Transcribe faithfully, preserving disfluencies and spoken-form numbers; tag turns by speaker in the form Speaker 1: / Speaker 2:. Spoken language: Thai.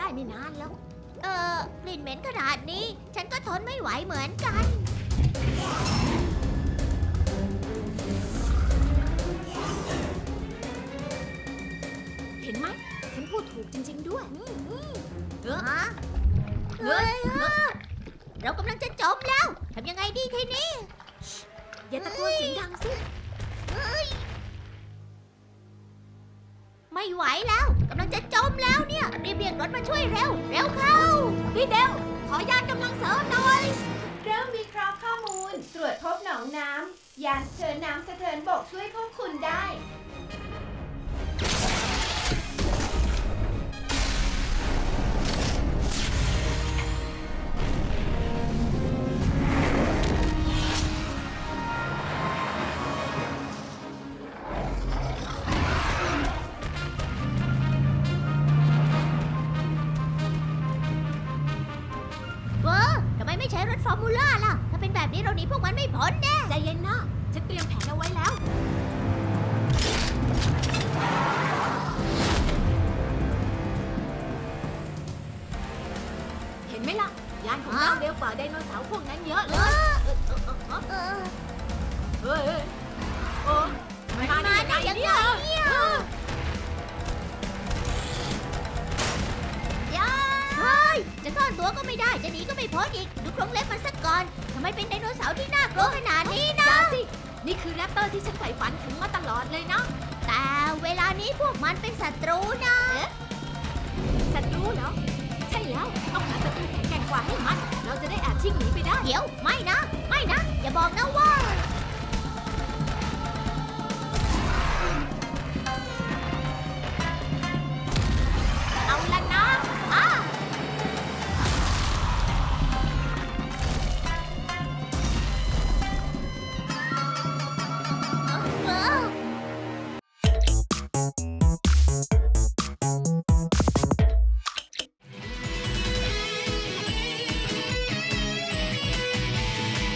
Speaker 1: ไม่นานแล้ว
Speaker 2: เออกลิ่นเหม็นขนาดนี้ ฉันก็ทนไม่ไหวเหมือนกัน
Speaker 1: เห็นไหมฉันพูดถูกจริง ๆ ด้วย
Speaker 2: เออเฮ้ยเฮ้ยเรากำลังจะจมแล้ว ทำยังไงดีทีนี้
Speaker 1: อย่าตะโกนเสียงดังสิ
Speaker 2: ไม่ไหวแล้วกำลังจะจมแล้วเนี่ย รีบเรียกรถมาช่วยเร็ว เร็วเข้า
Speaker 1: พี่เดวขอยานกำลังเสริมหน่อย
Speaker 3: เริ่มวิเคราะห์ข้อมูล ตรวจพบหนองน้ำ ยานสะเทินน้ำสะเทินบกช่วยพวกคุณได้
Speaker 2: เวอร์ทำไมไม่ใช้รถฟอร์มูล่าล่ะ ถ้าเป็นแบบนี้เราหนีพวกมันไม่พ้นแน่
Speaker 1: ใจเย็นนะ ฉันเตรียมแผนเอาไว้แล้ว เห็นไหมล่ะ ยานของเราเร็วกว่าไดโนเสาร์พวกนั้นเยอะเลย
Speaker 2: เออ
Speaker 1: เฮ้ยโอ้
Speaker 2: มันมาได้ยังไงเนี่ยยาเฮ้ย จะซ่อนตัวก็ไม่ได้ จะหนีก็ไม่พ้นอีก ดูโครงเล็บมันสักก่อน ทำไมเป็นไดโนเสาร์ที่น่ากลัวขนาดนี้นะ
Speaker 1: จ้าสิ นี่คือแรปเตอร์ที่ฉันใฝ่ฝันถึงมาตลอดเลยนะ
Speaker 2: แต่เวลานี้พวกมันเป็นศัตรูนะ
Speaker 1: ศัตรูเหรอ ใช่แล้ว ต้องหาศัตรูแข็งแกร่งกว่าให้มัน เราจะได้อาจชิ่งหนีไปได้
Speaker 2: เดี๋ยว ไม่นะ ไม่นะ อย่าบอกนะว่า